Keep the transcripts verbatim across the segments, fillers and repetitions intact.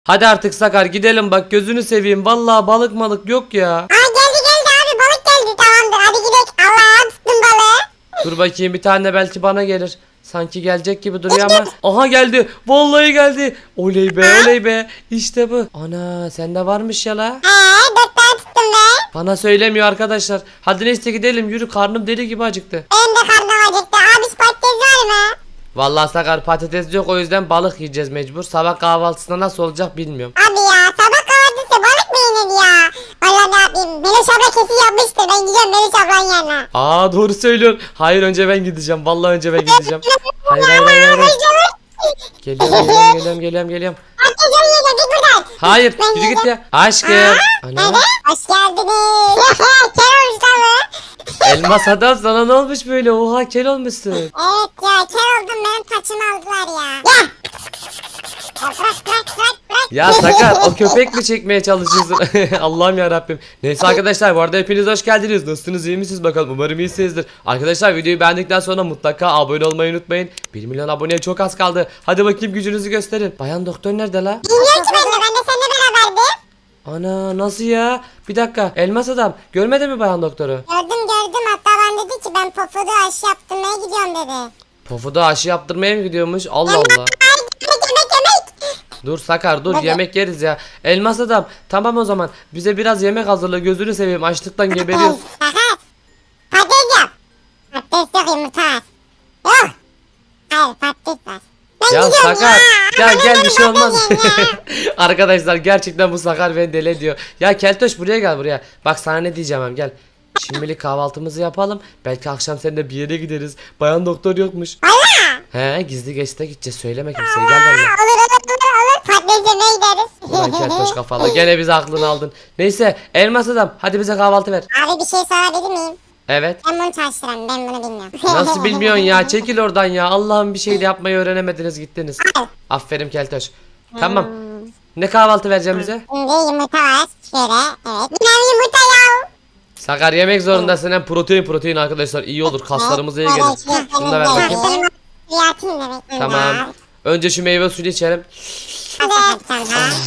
Hadi artık Sakar gidelim bak gözünü seveyim. Vallahi balık malık yok ya. Aa geldi geldi abi balık geldi tamamdır hadi gidelim. Allah'a tuttum balığı. Dur bakayım bir tane belki bana gelir. Sanki gelecek gibi duruyor ama. Aha geldi. Vallahi geldi. Oley be oley be. İşte bu. Ana sende varmış ya la. Eee dört tane tuttum be. Bana söylemiyor arkadaşlar. Hadi neyse gidelim yürü karnım deli gibi acıktı. Benim de karnım acıktı. Abi patates var mı? Vallahi Sakar patates yok o yüzden balık yiyeceğiz mecbur. Sabah kahvaltısında nasıl olacak bilmiyorum. Abi ya sabah kahvaltısı balık mı yenir ya? Valla ne yapayım? Melis abla kesin yapmıştır. Ben gidiyorum Melis ablanın yanına. Aa doğru söylüyorsun. Hayır önce ben gideceğim. Vallahi önce ben gideceğim. Hayır hayır hayır. hayır. Geliyorum geliyorum geliyorum geliyorum geliyorum. Patates yiyeceğim git buradan. Hayır yürü git ya. Aşkım. Ana. Hadi. Hoş geldiniz. Kel olmuş lan bu. Elmas adam sana ne olmuş böyle? Oha kel olmuşsun. Evet ya kel oldum benim taçımı aldılar ya. Ya. Ya bırak bırak bırak bırak. Ya Sakar o köpek mi çekmeye çalışıyorsun? Allah'ım ya Rabbim. Neyse arkadaşlar bu arada hepiniz hoş geldiniz. Nasılsınız iyi misiniz bakalım umarım iyisinizdir. Arkadaşlar videoyu beğendikten sonra mutlaka abone olmayı unutmayın. bir milyon aboneye çok az kaldı. Hadi bakayım gücünüzü gösterin. Bayan doktor nerede la? Bilmiyorum ki ben de ben de seninle beraberdim. Ana nasıl ya? Bir dakika elmas adam görmedi mi bayan doktoru? Gördüm gördüm hatta ben dedi ki ben pofudu aşı yaptırmaya gidiyorum dedi. Pofuda aşı yaptırmaya mı gidiyormuş? Allah Allah. Ay yemek yemek yemek. Dur Sakar dur Hadi. yemek yeriz ya. Elmas adam tamam o zaman bize biraz yemek hazırla gözünü seveyim açlıktan geberiyoruz. Sakar. Patates yap. Patates yok yumurta var. Yok. Hayır patates var. Ben Ya gidiyorum Sakar ya. gel Ama gel ben bir şey olmaz. patates yiyeyim ya. Arkadaşlar gerçekten bu Sakar beni deli ediyor. Ya Keltoş buraya gel buraya. Bak sana ne diyeceğim hem gel. Şimdilik kahvaltımızı yapalım. Belki akşam seninle bir yere gideriz. Bayan doktor yokmuş. Valla. He gizli geçte gideceğiz söyleme kimseye gel benimle. Olur olur olur olur. Patates yemeye gideriz. Ulan Keltoş kafalı gene bizi aklını aldın. Neyse elmas adam hadi bize kahvaltı ver. Abi bir şey sorabilir miyim? Evet. Ben bunu çalıştıram ben bunu bilmiyorum. Nasıl bilmiyorsun ya çekil oradan ya. Allah'ım bir şey de yapmayı öğrenemediniz gittiniz. Aferin Keltoş. Tamam. Ne kahvaltı vereceğim bize? Şimdi yumurta var. Şöyle evet. Bir tane yumurta ya. Sakar yemek zorundasın hem protein protein arkadaşlar iyi olur kaslarımıza iyi Evet, gelir. evet, Şunu da ver evet, bakayım. evet. Yatayım demek. Tamam. Önce şu meyve suyunu içelim. Hadi tamam.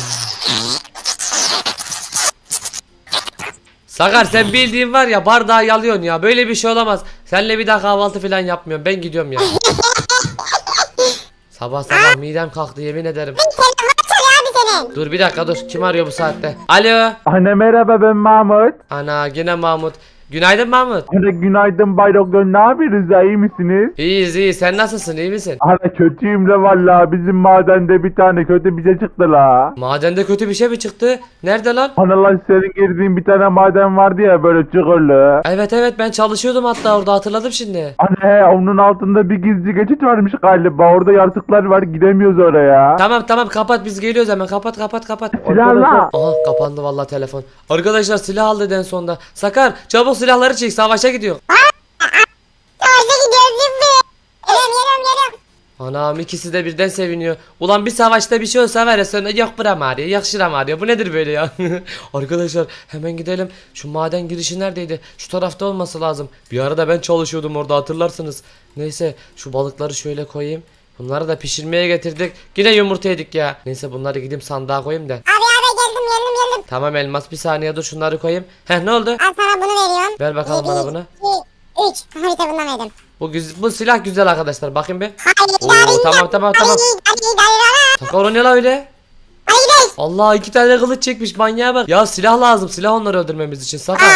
Sakar sen bildiğin var ya bardağı yalıyorsun ya. Böyle bir şey olamaz. Seninle bir daha kahvaltı falan yapmıyorum. Ben gidiyorum ya. Sabah sabah midem kalktı yemin ederim. Telefon çalıyor abi senin. Dur bir dakika dur. Kim arıyor bu saatte? Alo. Anne merhaba ben Mahmut. Ana yine Mahmut. Günaydın Mahmut. Anne günaydın Bay Doktor ne yapıyorsunuz ya iyi misiniz? İyiyiz iyi. Sen nasılsın iyi misin? Anne kötüyüm la valla bizim madende bir tane kötü bir şey çıktı la. Madende kötü bir şey mi çıktı? Nerede lan? Anne lan senin girdiğin bir tane maden vardı ya böyle çukurlu. Evet evet ben çalışıyordum hatta orada hatırladım şimdi. Anne onun altında bir gizli geçit varmış galiba orada yaratıklar var gidemiyoruz oraya. Tamam tamam kapat biz geliyoruz hemen kapat kapat kapat. Silahla. Aha kapandı vallahi telefon. Arkadaşlar silah aldı en sonunda. Sakar çabuk silahları çek savaşa gidiyor. Savaşa gidiyoruz şimdi. Geliyorum geliyorum geliyorum. Anam ikisi de birden seviniyor. Ulan bir savaşta bir şey olsa var ya sonra yok buram ağrıyor yok şuram ağrıyor. Bu nedir böyle ya? Arkadaşlar hemen gidelim. Şu maden girişi neredeydi? Şu tarafta olması lazım. Bir arada ben çalışıyordum orada hatırlarsınız. Neyse şu balıkları şöyle koyayım. Bunları da pişirmeye getirdik. Yine yumurta yedik ya. Neyse bunları gideyim sandığa koyayım da. Abi abi geldim geldim geldim. Tamam elmas bir saniye dur şunları koyayım. Heh ne oldu? Al sana bunu veriyorum. Ver bakalım Bir, bana bunu. iki, üç. Harita bundan verdim. Bu, güz- bu silah güzel arkadaşlar bakın bir. Hayır Oo, idare tamam tamam tamam. Hadi idare Sakar o ne la öyle? Hadi gidelim. Allah iki tane kılıç çekmiş manyağa bak. Ya silah lazım silah onları öldürmemiz için Sakar.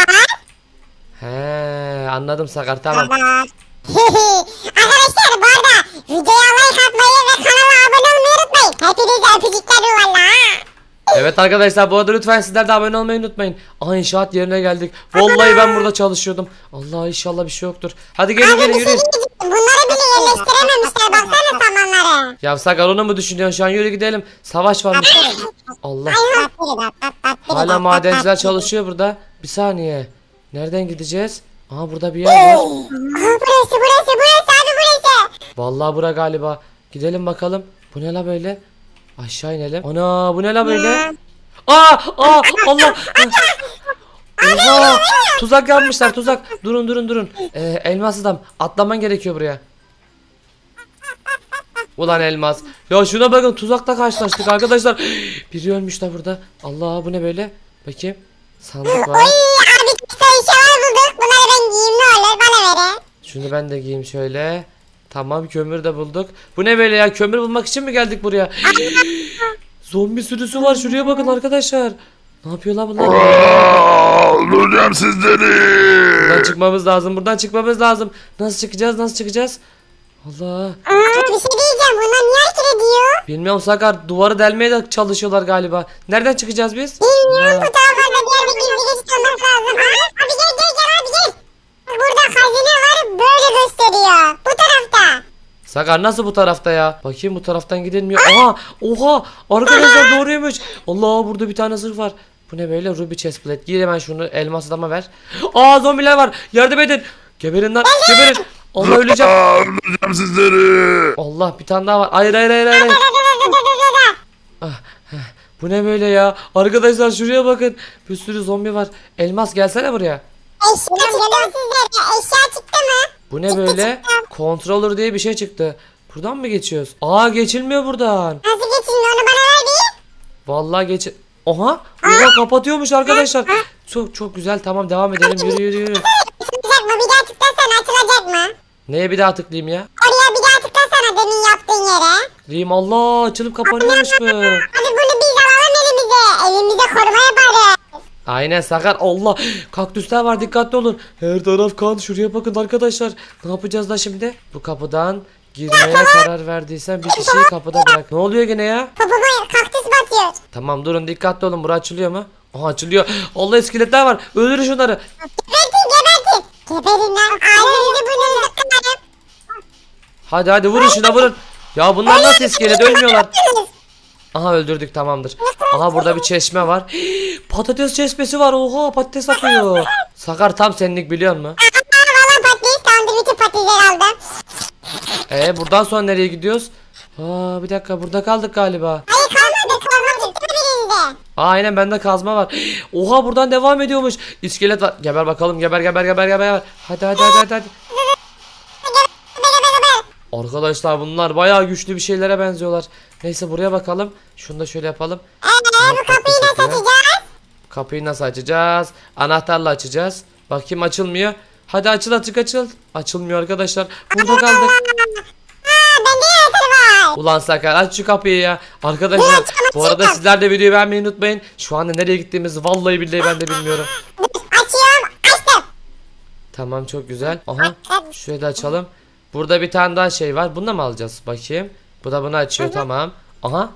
He anladım Sakar tamam. Tamam. Arkadaşlar bu arada videoya like atmayı ve kanala abone olmayı unutmayın. Hepinize öpücükler valla. Evet arkadaşlar bu arada lütfen sizler de abone olmayı unutmayın. Aha inşaat yerine geldik. Vallahi ben burada çalışıyordum. Allah inşallah bir şey yoktur. Hadi gelin Abi gelin bir şey yürüyün. diyeceğim. Bunları bile yerleştirememişler. Baksana samanları. Ya Sakar onu mu düşünüyorsun şu an yürü gidelim. Savaş varmış. Allah. Hala madenciler çalışıyor burada. Bir saniye. Nereden gideceğiz? Aha burada bir yer var. Aha, burası burası burası abi burası. Vallahi bura galiba. Gidelim bakalım. Bu ne la böyle? Aşağı inelim. Ana bu ne la böyle? Aa, aa Allah. Oha, tuzak yapmışlar tuzak. Durun durun durun. Ee, elmas adam atlaman gerekiyor buraya. Ulan Elmas. Ya şuna bakın, tuzakta karşılaştık arkadaşlar. Biri ölmüş de burada. Allah, bu ne böyle? Bakayım. Sandık var. Oy abi işte eşyalar bulduk. Bunları ben giyeyim ne olur bana verin. Şunu ben de giyeyim şöyle. Tamam, kömür de bulduk. Bu ne böyle ya? Kömür bulmak için mi geldik buraya? Zombi sürüsü var. Şuraya bakın arkadaşlar. Ne yapıyorlar bunlar? Aa, öldüreceğim sizleri. Buradan çıkmamız lazım. Buradan çıkmamız lazım. Nasıl çıkacağız? Nasıl çıkacağız? Allah. Aa, bir şey diyeceğim. Bunlar niye hareket ediyor? Bilmiyorum Sakar. Duvarı delmeye de çalışıyorlar galiba. Nereden çıkacağız biz? Bilmiyorum, Allah. bu tarafa diğer bir gizli geçit olması lazım. Aa, abi gel gel gel abi gel. Burada hazine var, böyle gösteriyor. Bu tarafta. Sakar nasıl bu tarafta ya? Bakayım, bu taraftan gidilmiyor. Aha! Oha! Arkadaşlar doğruymuş. Allah, burada bir tane zırh var. Bu ne böyle? Ruby chestplate. Giy hemen şunu, elmas adama ver. Aa, zombiler var. Yardım edin. Geberin lan. Geberin. Allah, öleceğim. Aa, öldüreceğim sizleri. Allah, bir tane daha var. Hayır hayır hayır hayır. Dur dur dur dur dur dur. Ah, heh. Bu ne böyle ya? Arkadaşlar şuraya bakın. Bir sürü zombi var. Elmas gelsene buraya. Eşya çıktı sizlere. Eşya çıktı mı? Bu ne böyle? Controller diye bir şey çıktı. Buradan mı geçiyoruz? Aa, geçilmiyor buradan. Nasıl geçeyim onu bana ver bir. Vallahi geç. Oha! Oha, kapatıyormuş arkadaşlar. Çok çok güzel. Tamam, devam edelim. Yürü yürü yürü. Açılacak mı? Bir daha tıklasana açılacak mı? Neye bir daha tıklayayım ya? Oraya bir daha tıklasana demin yaptığın yere. Tıklayayım. Allah, açılıp kapanıyormuş bu. Hadi bunu biz alalım elimize. Elimize koruma yaparız. Aynen Sakar. Allah, kaktüsler var, dikkatli olun. Her taraf kan. Şuraya bakın arkadaşlar. Ne yapacağız da şimdi? Bu kapıdan girmeye karar verdiysen bir kişiyi kapıda bırak. Ne oluyor gene ya? Popoma kaktüs batıyor. Tamam, durun, dikkatli olun. Bura açılıyor mu? Aha, açılıyor. Allah, iskeletler var. Öldürün şunları. Gebertin gebertin. Geberin lan. Ailenizi burnunuzu kırarım. Hadi hadi, vurun şuna, vurun. Ya bunlar nasıl iskelet, ölmüyorlar. Aha, öldürdük, tamamdır. Aha, burada bir çeşme var. Patates çeşmesi var. Oha, patates akıyor. Sakar tam senlik, biliyor musun? Aa valla patates tamamdır. Bütün patatesleri aldım. Ee buradan sonra nereye gidiyoruz? Aa, bir dakika, burada kaldık galiba. Hayır kalmadı. Kalmadı. Çıktı birinde. Aa, aynen, bende kazma var. Oha, buradan devam ediyormuş. İskelet var. Geber bakalım, geber geber geber geber. Hadi hadi hadi hadi. hadi. Arkadaşlar bunlar bayağı güçlü bir şeylere benziyorlar. Neyse, buraya bakalım. Şunu da şöyle yapalım. Eee bu kapıyı nasıl açacağız? Kapıyı nasıl açacağız? Anahtarla açacağız. Bakayım, açılmıyor. Hadi açıl, açık açıl. Açılmıyor arkadaşlar. Burada kaldık. Aa bende anahtarı var. Ulan Sakar, aç şu kapıyı ya. Arkadaşlar bu arada sizler de videoyu beğenmeyi unutmayın. Şu anda nereye gittiğimizi vallahi billahi ben de bilmiyorum. Açıyorum. Açtım. Tamam, çok güzel. Aha, şurayı da açalım. Burada bir tane daha şey var. Bunu da mı alacağız? Bakayım. Bu da bunu açıyor, tamam. Aha.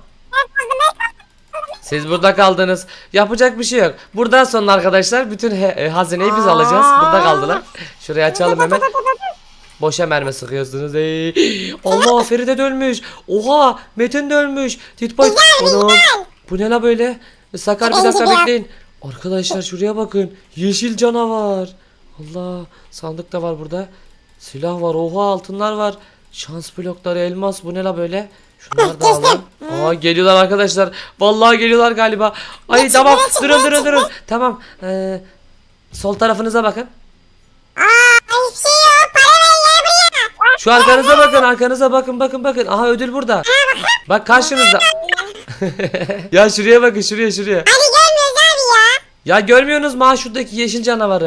Siz burada kaldınız. Yapacak bir şey yok. Buradan sonra arkadaşlar bütün he- e, hazineyi biz alacağız. Burada kaldılar. Şurayı açalım hemen. Boşa mermi sıkıyorsunuz. Ey. Allah, Feride de ölmüş. Oha, Metin de ölmüş. Titboy. Anam. Bu ne la böyle? Sakar, bir dakika bekleyin. Arkadaşlar şuraya bakın. Yeşil canavar. Allah, sandık da var burada. Silah var. Oha, altınlar var. Şans blokları, elmas. Bu ne la böyle? Şunları da alalım. Aa, geliyorlar arkadaşlar. Vallahi geliyorlar galiba. Ay tamam, durun durun durun. Tamam. Ee, sol tarafınıza bakın. Aa hiçbir şey yok. Para ver ya buraya. Şu arkanıza bakın, arkanıza bakın, bakın bakın. Aha, ödül burada. Bak karşınızda. Ya şuraya bakın, şuraya şuraya. Hadi gelmiyoruz abi ya. Ya görmüyorsunuz mu ha şuradaki yeşil canavarı?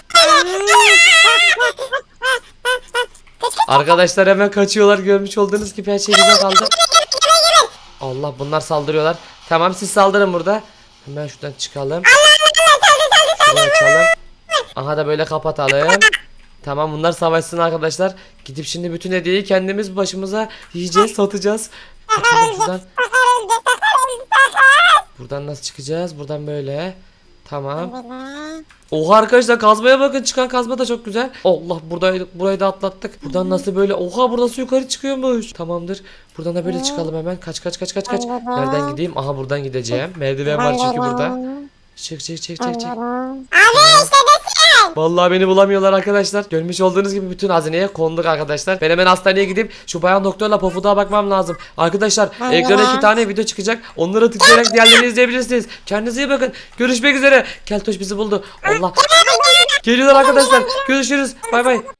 Arkadaşlar hemen kaçıyorlar, görmüş olduğunuz gibi her şey bize kaldı. Allah, bunlar saldırıyorlar. Tamam, siz saldırın burada. Hemen şuradan çıkalım. Şurayı açalım. Aha da böyle kapatalım. Tamam, bunlar savaşsın arkadaşlar. Gidip şimdi bütün hediyeyi kendimiz başımıza yiyeceğiz, satacağız. Kaçalım şuradan. Buradan nasıl çıkacağız? Buradan böyle. Tamam. Oha arkadaşlar, kazmaya bakın, çıkan kazma da çok güzel. Allah, burayı, burayı da atlattık. Buradan nasıl böyle? Oha, burası yukarı çıkıyormuş. Tamamdır. Buradan da böyle çıkalım hemen. Kaç kaç kaç kaç kaç. Nereden gideyim? Aha, buradan gideceğim. Merdiven var çünkü burada. Çık çık çık çık çık. Abi işte desin. Vallahi beni bulamıyorlar arkadaşlar. Görmüş olduğunuz gibi bütün hazineye konduk arkadaşlar. Ben hemen hastaneye gidip şu bayan doktorla Pofuduk'a bakmam lazım. Arkadaşlar ekrana iki tane video çıkacak. Onlara tıklayarak diğerlerini izleyebilirsiniz. Kendinize iyi bakın. Görüşmek üzere. Keltoş bizi buldu. Allah. Geliyorlar arkadaşlar. Görüşürüz. Bay bay.